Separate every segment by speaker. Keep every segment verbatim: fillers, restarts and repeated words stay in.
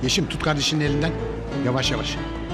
Speaker 1: Yeşim tut kardeşinin elinden. Yavaş yavaş.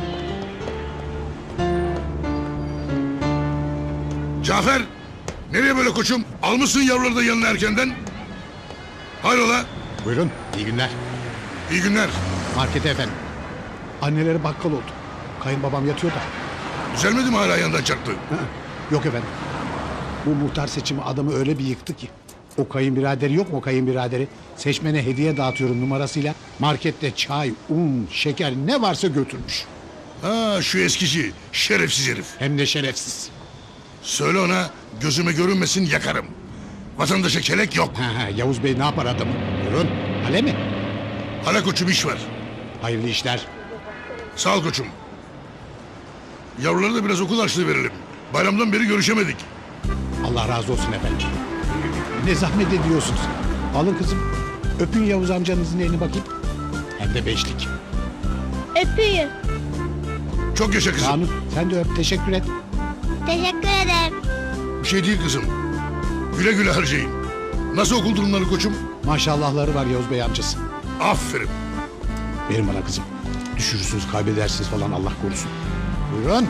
Speaker 2: Cafer! Nereye böyle koçum? Almışsın yavruları da yanına erkenden. Hayrola?
Speaker 1: Buyurun. İyi günler.
Speaker 2: İyi günler.
Speaker 1: Markete efendim. Anneleri bakkal oldu. Kayınbabam yatıyor da.
Speaker 2: Düzelmedi mi hala yandan çarptı?
Speaker 1: Hı hı. Yok efendim. Bu muhtar seçimi adamı öyle bir yıktı ki. O kayınbiraderi yok mu, o kayınbiraderi? Seçmene hediye dağıtıyorum numarasıyla. Markette çay, un, şeker ne varsa götürmüş.
Speaker 2: Ha şu eskici, şerefsiz herif.
Speaker 1: Hem de şerefsiz.
Speaker 2: Söyle ona gözüme görünmesin yakarım. Vatandaşa kelek yok.
Speaker 1: Ha, ha, Yavuz Bey ne yapar adamı? Buyurun. Hale mi?
Speaker 2: Hala koçum iş var.
Speaker 1: Hayırlı işler.
Speaker 2: Sağ ol koçum. Yavrulara da biraz okul harçlığı verelim. Bayramdan beri görüşemedik.
Speaker 1: Allah razı olsun efendim. Ne zahmet ediyorsunuz. Alın kızım. Öpün Yavuz amcanızın elini bakayım. Hem de beşlik.
Speaker 3: Öpeyim.
Speaker 2: Çok yaşa kızım.
Speaker 1: Kanun sen de öp, teşekkür et.
Speaker 3: Teşekkür ederim.
Speaker 2: Bir şey değil kızım. Güle güle harcayın. Nasıl okul durumları koçum?
Speaker 1: Maşallahları var Yavuz Bey amcası.
Speaker 2: Aferin.
Speaker 1: Verin bana kızım. Düşürürsünüz, kaybedersiniz falan Allah korusun. Buyurun.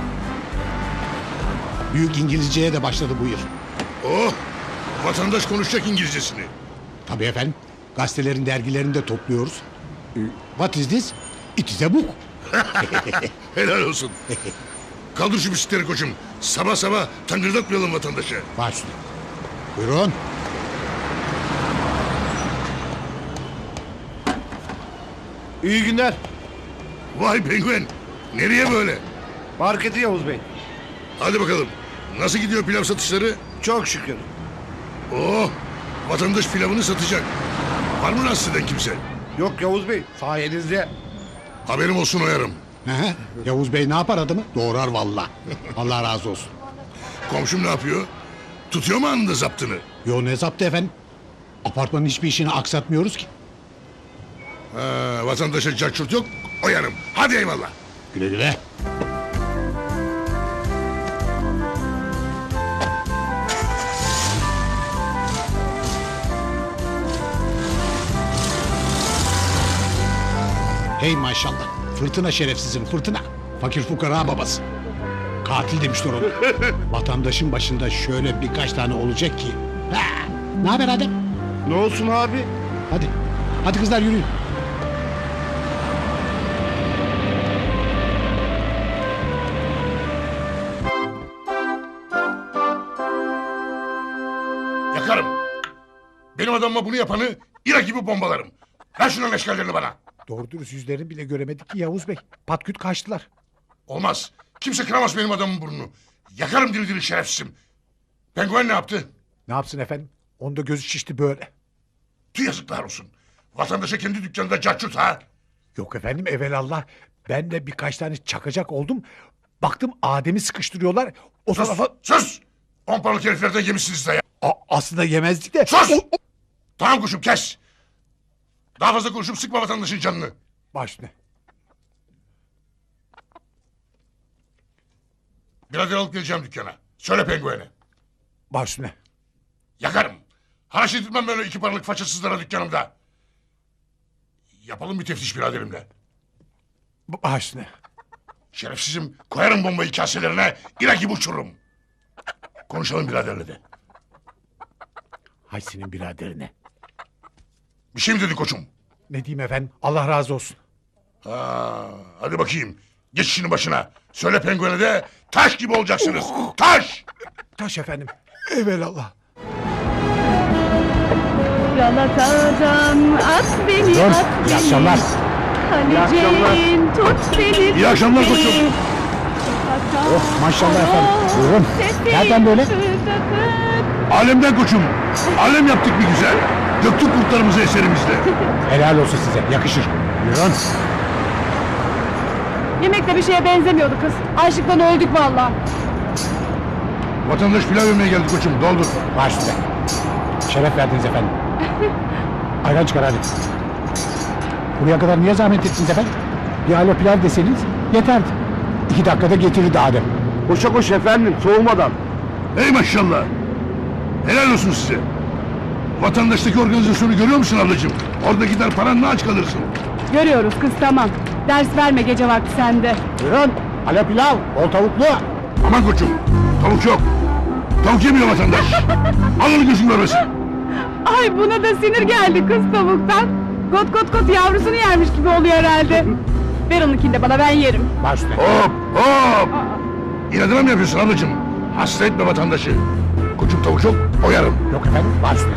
Speaker 1: Büyük İngilizceye de başladı bu yıl.
Speaker 2: Oh! Vatandaş konuşacak İngilizcesini.
Speaker 1: Tabii efendim. Gazetelerin, dergilerini de topluyoruz. Ee, What is this? It is a book.
Speaker 2: Helal olsun. Kaldır şu bisikletleri koçum. Sabah sabah tangırdatmayalım vatandaşa.
Speaker 1: Baş üstüne. Buyurun.
Speaker 4: İyi günler.
Speaker 2: Vay penguen. Nereye böyle?
Speaker 4: Marketi Yavuz Bey.
Speaker 2: Hadi bakalım. Nasıl gidiyor pilav satışları?
Speaker 4: Çok şükür.
Speaker 2: Oh! Vatandaş pilavını satacak. Var mı rahatsız eden kimse?
Speaker 4: Yok Yavuz Bey, sayenizde.
Speaker 2: Haberim olsun oyarım.
Speaker 1: Hı hı. Yavuz Bey ne yapar adamı? Doğrar valla. Allah razı olsun.
Speaker 2: Komşum ne yapıyor? Tutuyor mu anında zaptını?
Speaker 1: Yo ne zaptı efendim? Apartmanın hiçbir işini aksatmıyoruz ki.
Speaker 2: Ha, vatandaşa cacurt yok, oyarım. Hadi eyvallah.
Speaker 1: Güle güle. Hey maşallah. Fırtına şerefsizim fırtına. Fakir fukara babası. Katil demişler onu. Vatandaşın başında şöyle birkaç tane olacak ki. Ha, ne haber Adem?
Speaker 4: Ne olsun abi?
Speaker 1: Hadi. Hadi kızlar yürüyün.
Speaker 2: Yakarım. Benim adamıma bunu yapanı İrak gibi bombalarım. Ver şunun eşkallerini bana.
Speaker 1: Doğru dürüst yüzlerini bile göremedik ki Yavuz Bey. Patküt kaçtılar.
Speaker 2: Olmaz. Kimse kıramaz benim adamın burnunu. Yakarım diri diri şerefsizim. Penguen ne yaptı?
Speaker 1: Ne yapsın efendim? Onda gözü şişti böyle.
Speaker 2: Tüh yazıklar olsun. Vatandaşa kendi dükkanında cacurt ha.
Speaker 1: Yok efendim evelallah. Ben de birkaç tane çakacak oldum. Baktım Adem'i sıkıştırıyorlar. O
Speaker 2: Sus,
Speaker 1: tarafa...
Speaker 2: sus! On paralık heriflerden yemişsiniz de ya.
Speaker 1: A- aslında yemezdik de...
Speaker 2: Sus!
Speaker 1: O-
Speaker 2: Tamam kuşum kes. Daha fazla konuşup sıkma vatandaşın canını.
Speaker 1: Baş ne?
Speaker 2: Birader alıp geleceğim dükkana. Söyle penguene.
Speaker 1: Baş ne?
Speaker 2: Yakarım. Haraç edilmem böyle iki paralık façasızlara dükkanımda. Yapalım bir teftiş biraderimle.
Speaker 1: Baş ne?
Speaker 2: Şerefsizim koyarım bombayı kaselerine. İra gibi uçururum. Konuşalım biraderle de.
Speaker 1: Hay senin biraderine.
Speaker 2: Bir şey mi dedin koçum?
Speaker 1: Ne diyeyim efendim? Allah razı olsun.
Speaker 2: Ha, hadi bakayım. Geç işinin başına. Söyle penguene de taş gibi olacaksınız. Taş!
Speaker 1: Taş efendim. Evelallah.
Speaker 5: Galata'dan at beni,
Speaker 1: Dur,
Speaker 5: at
Speaker 1: iyi
Speaker 5: beni.
Speaker 1: akşamlar.
Speaker 5: Kaleceğin tut beni.
Speaker 2: İyi akşamlar
Speaker 5: tut beni.
Speaker 2: koçum.
Speaker 1: Oh maşallah efendim. Buyurun. Nereden böyle?
Speaker 2: Alemden koçum. Alem yaptık bir güzel. Döktük kurtlarımızı eserimizle.
Speaker 1: Helal olsun size. Yakışır. Buyurun.
Speaker 5: Yemek de bir şeye benzemiyordu kız. Açlıktan öldük vallahi.
Speaker 2: Vatandaş pilav yemeye geldi koçum. Doldur.
Speaker 1: Baş üstüne. Şeref verdiniz efendim. Ayran çıkar hadi. Buraya kadar niye zahmet ettiniz efendim? Bir alo pilav deseniz yeterdi. İki dakikada getirirdi Adem.
Speaker 4: Koşa koş efendim, soğumadan.
Speaker 2: Ey maşallah. Helal olsun size. Vatandaştaki organizasyonu görüyor musun ablacığım? Orada gider paranla aç kalırsın.
Speaker 5: Görüyoruz kız, tamam. Ders verme gece vakti sende.
Speaker 1: Buyurun. Alo pilav. Bol tavuklu.
Speaker 2: Aman koçum. Tavuk yok. Tavuk yemiyor vatandaş. Alın gözüm görmesin.
Speaker 5: Ay buna da sinir geldi kız tavuktan. Kot kot kot yavrusunu yermiş gibi oluyor herhalde. Ver onunkini de bana, ben yerim.
Speaker 1: Baş üstüne.
Speaker 2: Hop hop. İnadına mı yapıyorsun ablacığım? Hasta etme vatandaşı. Koçum tavuk yok, oyarım.
Speaker 1: Yok efendim. Baş üstüne.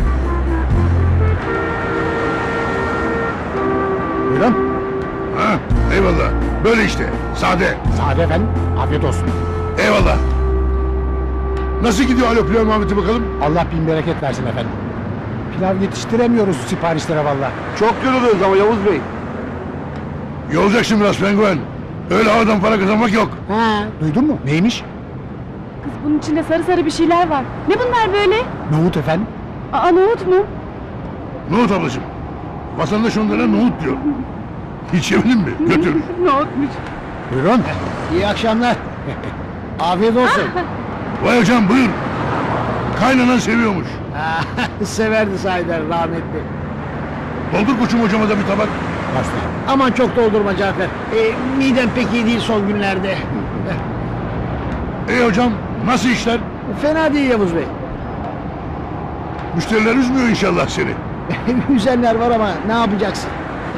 Speaker 1: Buyurun.
Speaker 2: Ha, eyvallah. Böyle işte. Sade.
Speaker 1: Sade efendim. Afiyet olsun.
Speaker 2: Eyvallah. Nasıl gidiyor alo pilav muhabbeti bakalım?
Speaker 1: Allah bin bereket versin efendim. Pilav yetiştiremiyoruz siparişlere valla.
Speaker 4: Çok yoruluyoruz ama Yavuz Bey.
Speaker 2: Yolacaksın biraz penguen. Öyle havadan para kazanmak yok.
Speaker 1: Ha, duydun mu? Neymiş?
Speaker 5: Kız bunun içinde sarı sarı bir şeyler var. Ne bunlar böyle?
Speaker 1: Nohut efendim.
Speaker 5: Aa, nohut mu?
Speaker 2: Nohut ablacığım. Vatandaş onlara nohut diyor. Hiç yemedin mi? Götür.
Speaker 5: Nohutmuş.
Speaker 1: Buyurun. İyi akşamlar. Afiyet olsun.
Speaker 2: Vay hocam buyur. Kaynanan seviyormuş.
Speaker 1: Severdi sahiden rahmetli.
Speaker 2: Doldur koçum hocama da bir tabak.
Speaker 6: Aman çok doldurma Cafer. E, midem pek iyi değil son günlerde.
Speaker 2: İyi hocam nasıl işler?
Speaker 6: Fena değil Yavuz Bey.
Speaker 2: Müşteriler üzmüyor inşallah seni.
Speaker 6: Üzenler var ama ne yapacaksın?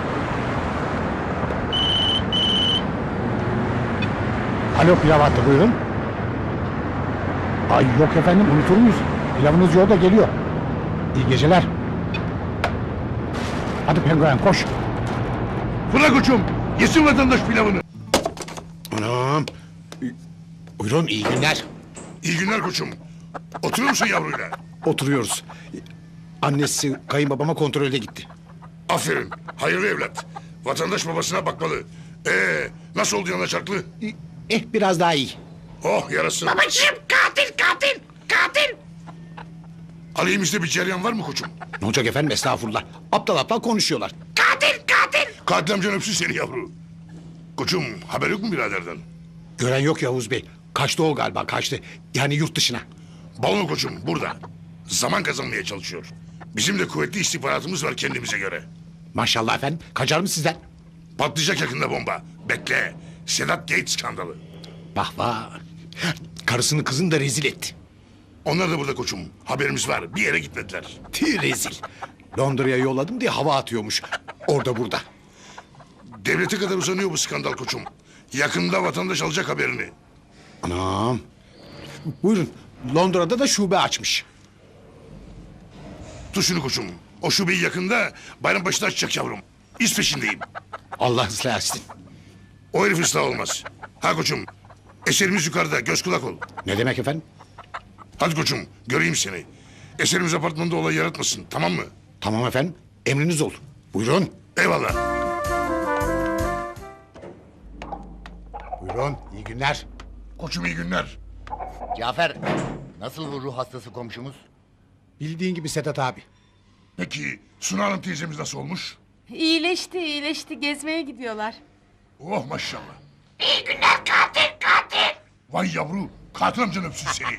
Speaker 1: Alo pilav attı buyurun. Ay yok efendim unutur muyuz? Pilavınız yolda geliyor. İyi geceler. Hadi penguen koş.
Speaker 2: Fırla koçum. Yesin vatandaş pilavını.
Speaker 1: Anam. Buyurun iyi günler.
Speaker 2: İyi günler koçum. Oturuyor musun yavruyla?
Speaker 1: Oturuyoruz. Annesi kayınbabama kontrole gitti.
Speaker 2: Aferin. Hayırlı evlat. Vatandaş babasına bakmalı. Ee, nasıl oldu yanaşaklı?
Speaker 1: Eh biraz daha iyi.
Speaker 2: Oh yarasın. Babacığım katil katil katil. Aleyhimizde bir cereyan var mı koçum?
Speaker 1: Ne olacak efendim estağfurullah. Aptal aptal konuşuyorlar.
Speaker 2: Katil katil. Katil amcan öpsün seni yavru. Koçum haber yok mu biraderden?
Speaker 1: Gören yok Yavuz Bey. Kaçtı o galiba kaçtı. Yani yurt dışına.
Speaker 2: Balon koçum burada. Zaman kazanmaya çalışıyor. Bizim de kuvvetli istihbaratımız var kendimize göre.
Speaker 1: Maşallah efendim. Kaçar mı sizden?
Speaker 2: Patlayacak yakında bomba. Bekle. Sedat Gates skandalı.
Speaker 1: Vah vah. Karısını kızını da rezil etti.
Speaker 2: Onlar da burada koçum. Haberimiz var. Bir yere gitmediler.
Speaker 1: Tüh rezil. Londra'ya yolladım diye hava atıyormuş. Orada burada.
Speaker 2: Devlete kadar uzanıyor bu skandal koçum. Yakında vatandaş alacak haberini.
Speaker 1: Anam. Buyurun. Londra'da da şube açmış.
Speaker 2: Tut şunu koçum. O şubeyi yakında Bayrampaşa'da açacak yavrum. İz peşindeyim.
Speaker 1: Allah ıslah etsin.
Speaker 2: O herif ıslah olmaz. Ha koçum. Eserimiz yukarıda. Göz kulak ol.
Speaker 1: Ne demek efendim?
Speaker 2: Hadi koçum. Göreyim seni. Eserimiz apartmanda olay yaratmasın. Tamam mı?
Speaker 1: Tamam efendim. Emriniz olur. Buyurun.
Speaker 2: Eyvallah.
Speaker 1: Buyurun. İyi günler.
Speaker 2: Koçum iyi günler.
Speaker 7: Cafer, nasıl bu ruh hastası komşumuz?
Speaker 1: Bildiğin gibi Sedat abi.
Speaker 2: Peki Suna Hanım teyzemiz nasıl olmuş?
Speaker 8: İyileşti, iyileşti. Gezmeye gidiyorlar.
Speaker 2: Oh maşallah. İyi günler katil katil. Vay yavru. Katil amcan öpsün seni.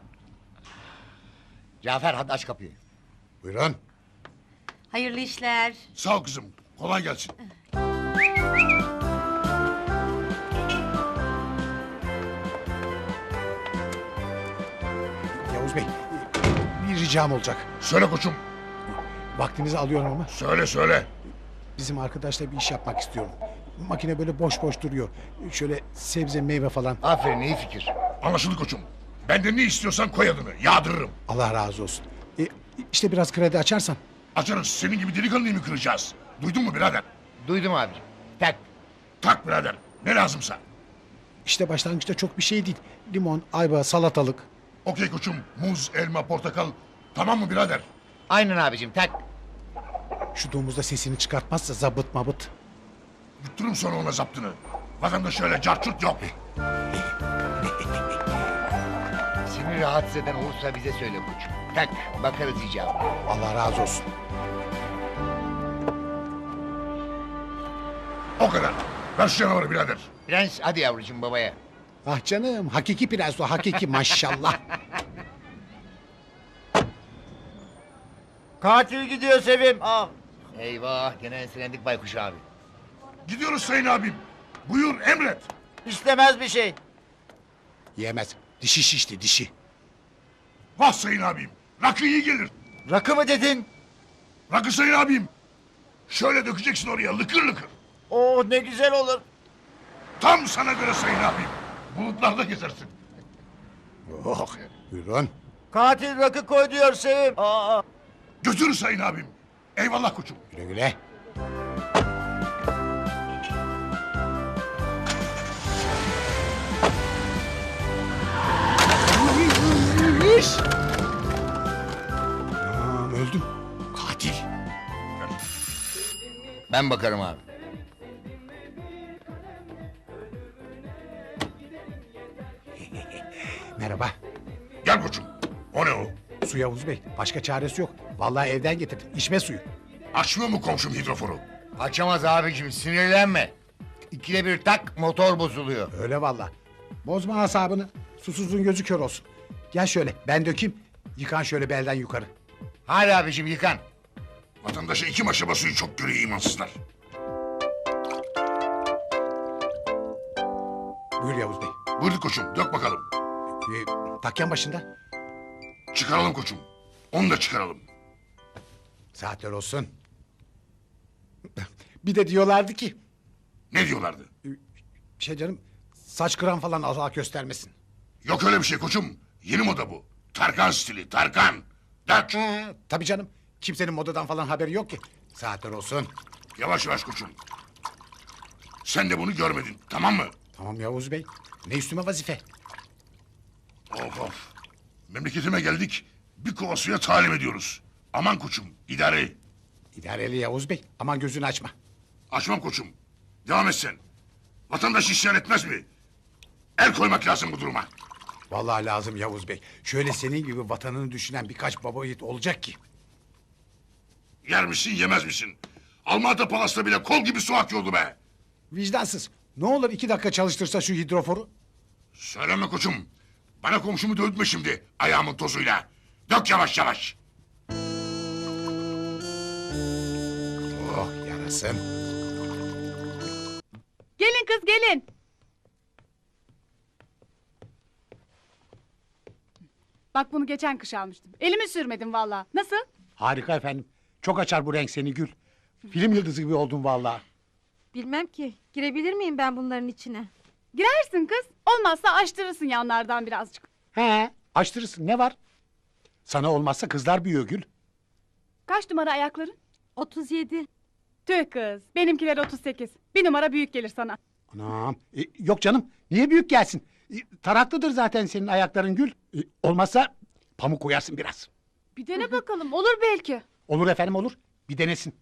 Speaker 7: Cafer hadi aç kapıyı.
Speaker 1: Buyurun.
Speaker 8: Hayırlı işler.
Speaker 2: Sağ ol kızım. Kolay gelsin.
Speaker 1: Yavuz Bey. Bir ricam olacak.
Speaker 2: Söyle koçum.
Speaker 1: Vaktinizi alıyorum ama.
Speaker 2: Söyle söyle.
Speaker 1: Bizim arkadaşla bir iş yapmak istiyorum. Makine böyle boş boş duruyor. Şöyle sebze meyve falan.
Speaker 7: Aferin iyi fikir.
Speaker 2: Anlaşıldı koçum. Benden ne istiyorsan koy adını. Yağdırırım.
Speaker 1: Allah razı olsun. E, işte biraz kredi açarsan.
Speaker 2: Açarız. Senin gibi delikanlıyı mı kıracağız? Duydun mu birader?
Speaker 7: Duydum abi. Tak.
Speaker 2: Tak birader. Ne lazımsa.
Speaker 1: İşte başlangıçta çok bir şey değil. Limon, ayva, salatalık.
Speaker 2: Okey koçum. Muz, elma, portakal. Tamam mı birader?
Speaker 7: Aynen abicim tak.
Speaker 1: Şu domuz da sesini çıkartmazsa zabıt mabıt.
Speaker 2: Yutturum sonra ona zaptını. Vatandaş öyle carçurt yok.
Speaker 7: Seni rahatsız eden olursa bize söyle koçum. Tak bakarız icabına.
Speaker 1: Allah razı olsun.
Speaker 2: O kadar. Ver şu canavarı birader.
Speaker 7: Prens hadi yavrucuğum babaya.
Speaker 1: Ah canım hakiki prens o hakiki maşallah.
Speaker 6: Katil gidiyor Sevim. Ah.
Speaker 7: Eyvah gene enselendik baykuş abi.
Speaker 2: Gidiyoruz sayın abim. Buyur emret.
Speaker 7: İstemez bir şey.
Speaker 1: Yemez. Dişi şişti dişi.
Speaker 2: Vah sayın abim. Rakı iyi gelir.
Speaker 7: Rakı mı dedin?
Speaker 2: Rakı sayın abim. Şöyle dökeceksin oraya lıkır lıkır.
Speaker 7: Oo ne güzel olur.
Speaker 2: Tam sana göre sayın abim. Bulutlarda gezersin.
Speaker 1: Oh, buyurun.
Speaker 7: Katil rakı koy diyor Sevim. Aa.
Speaker 2: Götür sayın abim. Eyvallah koçum.
Speaker 1: Güle güle. Anam öldüm. Katil.
Speaker 7: Ben bakarım abi.
Speaker 1: Merhaba.
Speaker 2: Gel koçum. O ne o?
Speaker 1: Su Yavuz Bey. Başka çaresi yok. Vallahi evden getirdim. İçme suyu.
Speaker 2: Açmıyor mu komşum hidroforu?
Speaker 7: Açamaz abicim sinirlenme. İkide bir tak motor bozuluyor.
Speaker 1: Öyle vallahi. Bozma asabını. Susuzluğun gözü kör olsun. Gel şöyle ben dökeyim. Yıkan şöyle belden yukarı.
Speaker 7: Hadi abicim yıkan.
Speaker 2: Vatandaşa iki maşa basıyor çok görüyor imansızlar.
Speaker 1: Buyur Yavuz Bey.
Speaker 2: Buyur koçum dök bakalım.
Speaker 1: Ee, takyan başında.
Speaker 2: Çıkaralım koçum. Onu da çıkaralım.
Speaker 1: Saatler olsun. Bir de diyorlardı ki...
Speaker 2: Ne diyorlardı?
Speaker 1: Şey canım... Saç kıran falan Allah göstermesin.
Speaker 2: Yok öyle bir şey koçum. Yeni moda bu. Tarkan stili Tarkan. Dök.
Speaker 1: He, tabii canım. Kimsenin modadan falan haberi yok ki. Saatler olsun.
Speaker 2: Yavaş yavaş koçum. Sen de bunu görmedin tamam mı?
Speaker 1: Tamam Yavuz Bey. Ne üstüme vazife.
Speaker 2: Of of. Memleketime geldik. Bir kova suya talim ediyoruz. Aman koçum idare et.
Speaker 1: İdareli Yavuz Bey. Aman gözünü açma.
Speaker 2: Açmam koçum. Devam et sen. Vatandaş isyan etmez mi? El koymak lazım bu duruma.
Speaker 1: Vallahi lazım Yavuz Bey. Şöyle senin gibi vatanını düşünen birkaç baba yiğit olacak ki.
Speaker 2: Yer misin yemez misin? Almanya Palas'ta bile kol gibi su akıyordu be.
Speaker 1: Vicdansız. Ne olur iki dakika çalıştırsa şu hidroforu.
Speaker 2: Söyleme koçum. Bana komşumu dövdürme şimdi ayağımın tozuyla. Dök yavaş yavaş.
Speaker 1: Oh yarasın.
Speaker 5: Gelin kız gelin. Bak bunu geçen kış almıştım. Elimi sürmedim vallahi. Nasıl?
Speaker 1: Harika efendim. Çok açar bu renk seni Gül. Film yıldızı gibi oldun vallahi.
Speaker 9: Bilmem ki. Girebilir miyim ben bunların içine?
Speaker 5: Girersin kız. Olmazsa açtırırsın yanlardan birazcık.
Speaker 1: He, açtırırsın ne var? Sana olmazsa kızlar büyüyor Gül.
Speaker 5: Kaç numara ayakların?
Speaker 9: otuz yedi.
Speaker 5: Tüh kız. Benimkiler otuz sekiz. Bir numara büyük gelir sana.
Speaker 1: Anam. E, yok canım. Niye büyük gelsin? E, taraklıdır zaten senin ayakların Gül. E, olmazsa pamuk koyarsın biraz.
Speaker 5: Bir dene bakalım. Olur belki.
Speaker 1: Olur efendim olur. Bir denesin.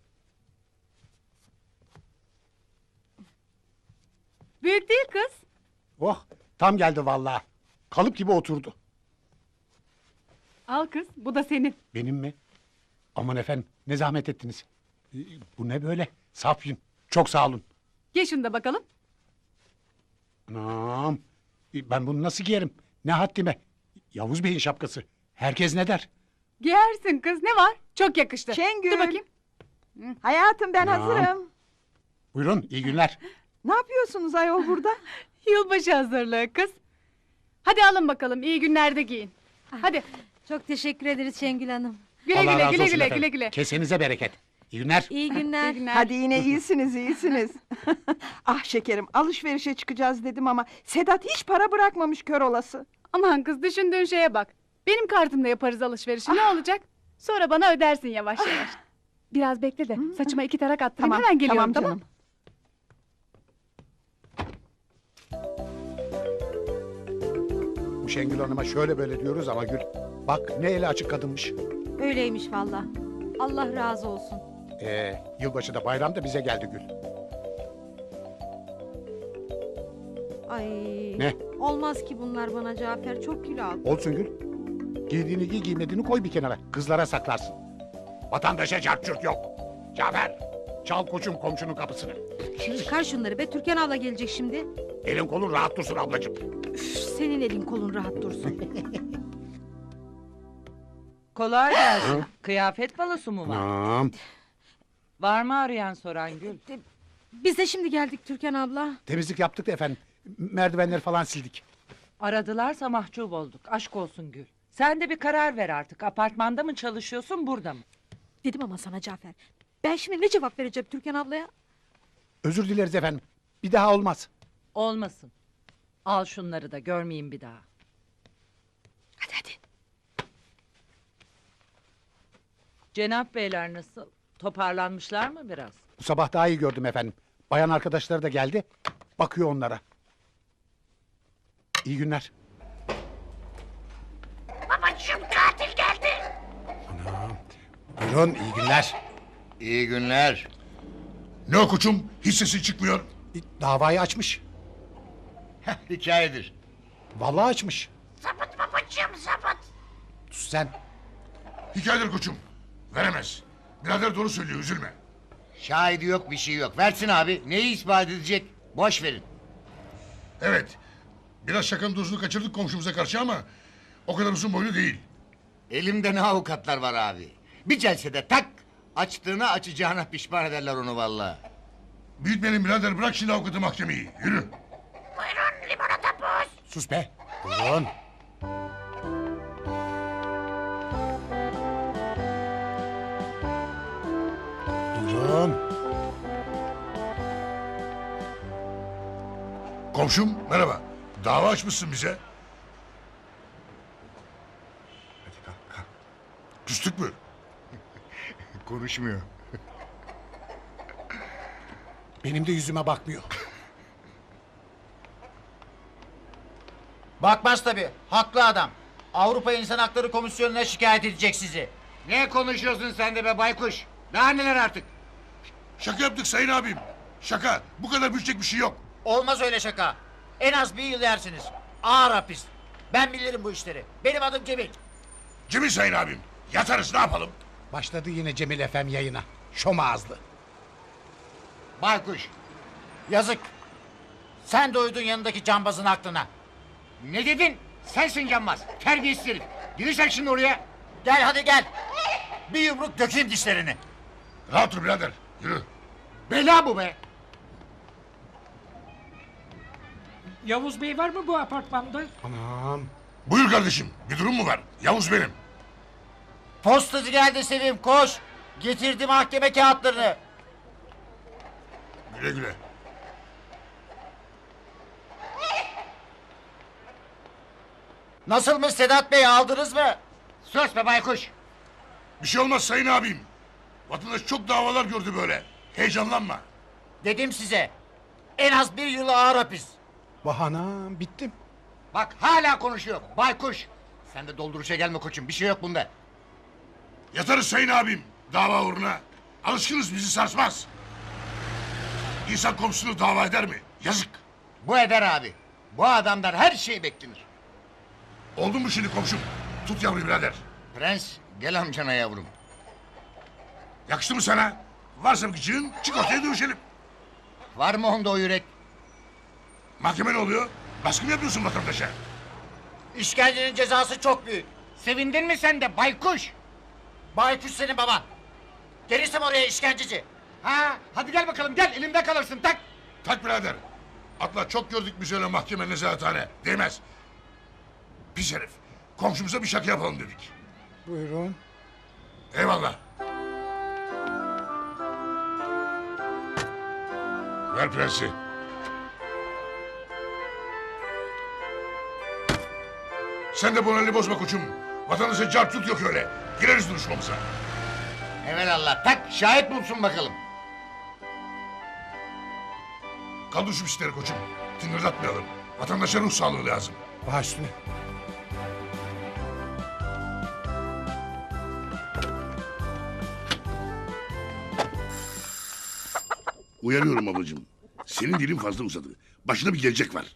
Speaker 5: Büyük değil kız.
Speaker 1: Oh tam geldi vallahi. Kalıp gibi oturdu.
Speaker 5: Al kız. Bu da senin.
Speaker 1: Benim mi? Aman efendim ne zahmet ettiniz. E, bu ne böyle? Saf yün. Çok sağ olun.
Speaker 5: Giy şunu da bakalım.
Speaker 1: Anam. E, ben bunu nasıl giyerim? Ne haddime? Yavuz Bey'in şapkası. Herkes ne der?
Speaker 5: Giyersin kız. Ne var? Çok yakıştı.
Speaker 9: Şengül.
Speaker 5: Dur bakayım.
Speaker 9: Hayatım ben
Speaker 1: Tamam.
Speaker 9: hazırım.
Speaker 1: Buyurun iyi günler.
Speaker 9: Ne yapıyorsunuz ayol burada?
Speaker 5: Yılbaşı hazırlığı kız. Hadi alın bakalım. İyi günlerde giyin. Hadi.
Speaker 9: Çok teşekkür ederiz Şengül Hanım.
Speaker 5: Güle
Speaker 1: Allah
Speaker 5: güle
Speaker 1: razı
Speaker 5: güle
Speaker 1: olsun
Speaker 5: güle
Speaker 1: efendim.
Speaker 5: güle güle.
Speaker 1: Kesenize bereket. İyi günler.
Speaker 9: İyi günler.
Speaker 5: İyi günler.
Speaker 10: Hadi yine iyisiniz iyisiniz. Ah şekerim alışverişe çıkacağız dedim ama Sedat hiç para bırakmamış kör olası.
Speaker 5: Aman kız düşündüğün şeye bak. Benim kartımla yaparız alışverişi. Ne olacak? Sonra bana ödersin yavaş yavaş. Biraz bekle de saçıma iki tarak attırayım.
Speaker 10: Tamam
Speaker 5: Hemen geliyorum
Speaker 10: tamam
Speaker 5: tamam.
Speaker 10: canım.
Speaker 1: Bu Şengül Hanım'a şöyle böyle diyoruz ama Gül. Bak ne eli açık kadınmış.
Speaker 9: Öyleymiş valla. Allah razı olsun.
Speaker 1: Ee, yılbaşı da bayram da bize geldi Gül.
Speaker 9: Ay.
Speaker 1: Ne?
Speaker 9: Olmaz ki bunlar bana Cafer. Çok kilo aldı.
Speaker 1: Olsun Gül. Giydiğini giy giymediğini koy bir kenara. Kızlara saklarsın. Vatandaşa çarçurt yok. Cafer çal koçum komşunun kapısını.
Speaker 9: Çıkar şunları be. Türkan abla gelecek şimdi.
Speaker 1: Elin kolun rahat dursun ablacığım.
Speaker 9: Üf, senin elin kolun rahat dursun.
Speaker 11: Kolay gelsin. Kıyafet balosu mu var?
Speaker 1: Anam.
Speaker 11: Var mı arayan soran Gül?
Speaker 9: Biz de şimdi geldik Türkan abla.
Speaker 1: Temizlik yaptık da efendim. Merdivenleri falan sildik.
Speaker 11: Aradılarsa mahcup olduk. Aşk olsun Gül. Sen de bir karar ver artık. Apartmanda mı çalışıyorsun, burada mı?
Speaker 9: Dedim ama sana Cafer. Ben şimdi ne cevap vereceğim Türkan ablaya?
Speaker 1: Özür dileriz efendim. Bir daha olmaz.
Speaker 11: Olmasın. Al şunları da görmeyeyim bir daha.
Speaker 9: Hadi hadi.
Speaker 11: Cenap beyler nasıl? Toparlanmışlar mı biraz?
Speaker 1: Bu sabah daha iyi gördüm efendim. Bayan arkadaşları da geldi. Bakıyor onlara. İyi günler.
Speaker 7: Babacığım katil geldi.
Speaker 1: Anam. Buyurun iyi günler.
Speaker 7: İyi günler.
Speaker 2: Ne o koçum? Hiç sesi çıkmıyor.
Speaker 1: Davayı açmış.
Speaker 7: Hikayedir.
Speaker 1: Vallahi açmış.
Speaker 7: Sapıt babacığım sapıt.
Speaker 1: Sus sen.
Speaker 2: Hikayedir koçum. Veremez. Birader doğru söylüyor, üzülme.
Speaker 7: Şahidi yok bir şey yok. Versin abi. Neyi ispat edecek? Boş verin.
Speaker 2: Evet. Biraz şakanın dozunu kaçırdık komşumuza karşı ama... ...o kadar uzun boylu değil.
Speaker 7: Elimde ne avukatlar var abi. Bir celsede tak. Açtığına açacağına pişman ederler onu vallahi.
Speaker 2: Büyütmeyelim birader, bırak şimdi avukatı mahkemeyi. Yürü.
Speaker 7: Buyurun limonata buz.
Speaker 1: Sus be. Buyurun. Buyurun.
Speaker 2: Komşum merhaba. Dava açmışsın bize. Hadi kalk kalk. Küstük mü?
Speaker 7: Konuşmuyor.
Speaker 1: Benim de yüzüme bakmıyor.
Speaker 6: Bakmaz tabii. Haklı adam. Avrupa İnsan Hakları Komisyonu'na şikayet edecek sizi.
Speaker 7: Ne konuşuyorsun sen de be baykuş? Daha neler artık?
Speaker 2: Şaka yaptık sayın abim. Şaka. Bu kadar büyütecek bir şey yok.
Speaker 6: Olmaz öyle şaka. En az bir yıl yersiniz. Ağır hapis. Ben bilirim bu işleri. Benim adım Cemil.
Speaker 2: Cemil sayın abim. Yatarız ne yapalım?
Speaker 1: Başladı yine Cemil Efem yayına. Şom ağızlı.
Speaker 7: Baykuş.
Speaker 6: Yazık. Sen de uydun yanındaki cambazın aklına.
Speaker 7: Ne dedin? Sensin yanmaz. Terbiyesiz herif. Girirsen şimdi oraya.
Speaker 6: Gel hadi gel. Bir yumruk dökeyim dişlerini.
Speaker 2: Rahat dur birader. Yürü.
Speaker 7: Bela bu be.
Speaker 11: Yavuz Bey var mı bu apartmanda?
Speaker 1: Anam.
Speaker 2: Buyur kardeşim. Bir durum mu var? Yavuz benim.
Speaker 6: Postacı geldi Sevim koş. Getirdi mahkeme kağıtlarını.
Speaker 2: Güle güle.
Speaker 6: Nasılmış Sedat Bey aldınız mı?
Speaker 7: Sus be baykuş.
Speaker 2: Bir şey olmaz sayın abim. Vatandaş çok davalar gördü böyle. Heyecanlanma.
Speaker 6: Dedim size. En az bir yıl ağır hapis.
Speaker 1: Bahanam bittim.
Speaker 7: Bak hala konuşuyor. Baykuş. Sen de dolduruşa gelme koçum. Bir şey yok bunda.
Speaker 2: Yatarız sayın abim. Dava uğruna. Alışkınız bizi sarsmaz. İnsan komşusunu dava eder mi? Yazık.
Speaker 7: Bu eder abi. Bu adamdan her şey beklenir.
Speaker 2: Oldu mu şimdi komşum? Tut yavruyu birader.
Speaker 7: Prens gel amcana yavrum.
Speaker 2: Yakıştı mı sana? Varsa bir gıcığın çık ortaya dövüşelim.
Speaker 7: Var mı onda o yürek?
Speaker 2: Mahkeme ne oluyor? Baskı mı yapıyorsun vatandaşa?
Speaker 6: İşkencenin cezası çok büyük.
Speaker 7: Sevindin mi sen de baykuş?
Speaker 6: Baykuş senin baban. Gelirsem oraya işkenceci.
Speaker 7: Ha, hadi gel bakalım gel elimde kalırsın tak.
Speaker 2: Tak birader. Atla çok gördük biz öyle mahkeme nezarethane. Değmez. Pis herif. Komşumuza bir şaka yapalım dedik.
Speaker 1: Buyurun.
Speaker 2: Eyvallah. Ver prensi. Sen de moralini bozma koçum. Vatandaşa car tut yok öyle. Gireriz duruşmamıza.
Speaker 7: Evelallah tak şahit bulsun bakalım.
Speaker 2: Kaldır şu pisleri koçum. Tıngırdatmayalım. Vatandaşa ruh sağlığı lazım.
Speaker 1: Baş üstüne.
Speaker 2: Uyarıyorum ablacığım. Senin dilin fazla uzadı. Başına bir gelecek var.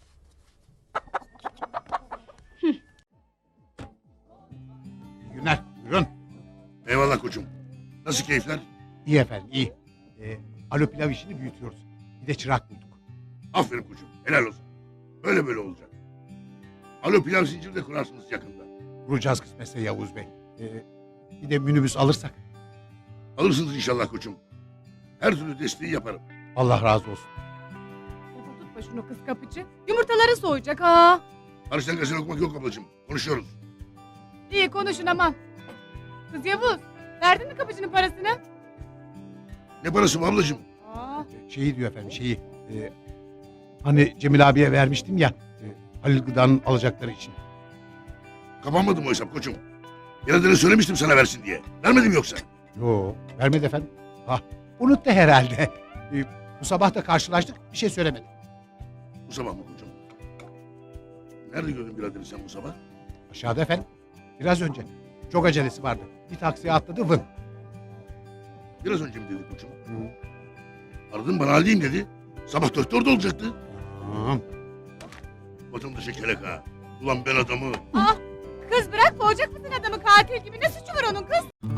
Speaker 1: İyi günler. Buyurun.
Speaker 2: Eyvallah koçum. Nasıl keyifler?
Speaker 1: İyi efendim iyi. Ee, alo pilav işini büyütüyoruz. Bir de çırak bulduk.
Speaker 2: Aferin koçum. Helal olsun. Öyle böyle olacak. Alo pilav zinciri de kurarsınız yakında.
Speaker 1: Vuracağız kısmetse Yavuz Bey. Ee, bir de minibüs alırsak.
Speaker 2: Alırsınız inşallah koçum. Her türlü desteği yaparım.
Speaker 1: Allah razı olsun.
Speaker 5: Tutma şunu kız kapıcı. Yumurtaları soğuyacak ha.
Speaker 2: Hariçten gazete okumak yok ablacığım. Konuşuyoruz.
Speaker 5: İyi konuşun aman. Kız Yavuz, verdin mi kapıcının parasını?
Speaker 2: Ne parası bu ablacığım?
Speaker 5: Aa,
Speaker 1: Şeyi diyor efendim şeyi. e, hani Cemil abiye vermiştim ya. E, Halil Gıda'nın alacakları için.
Speaker 2: Kapanmadı mı o hesap koçum? Yeniden söylemiştim sana versin diye. Vermedim yoksa.
Speaker 1: Yo vermedi efendim. Ah unuttu herhalde. E, bu sabah da karşılaştık bir şey söylemedi.
Speaker 2: Bu sabah mı koçum? Nerede gördün biraderim sen bu sabah?
Speaker 1: Aşağıda efendim. Biraz önce. Çok acelesi vardı. Bir taksiye atladı vın.
Speaker 2: Biraz önce mi dedi koçum? Aradın bana haldeyim dedi. Sabah dörtte orada olacaktı.
Speaker 1: Tamam.
Speaker 2: Vatandaşa kelek ha. Ulan ben adamı...
Speaker 5: kız bırak boğacak mısın adamı katil gibi? Ne suçu var onun kız?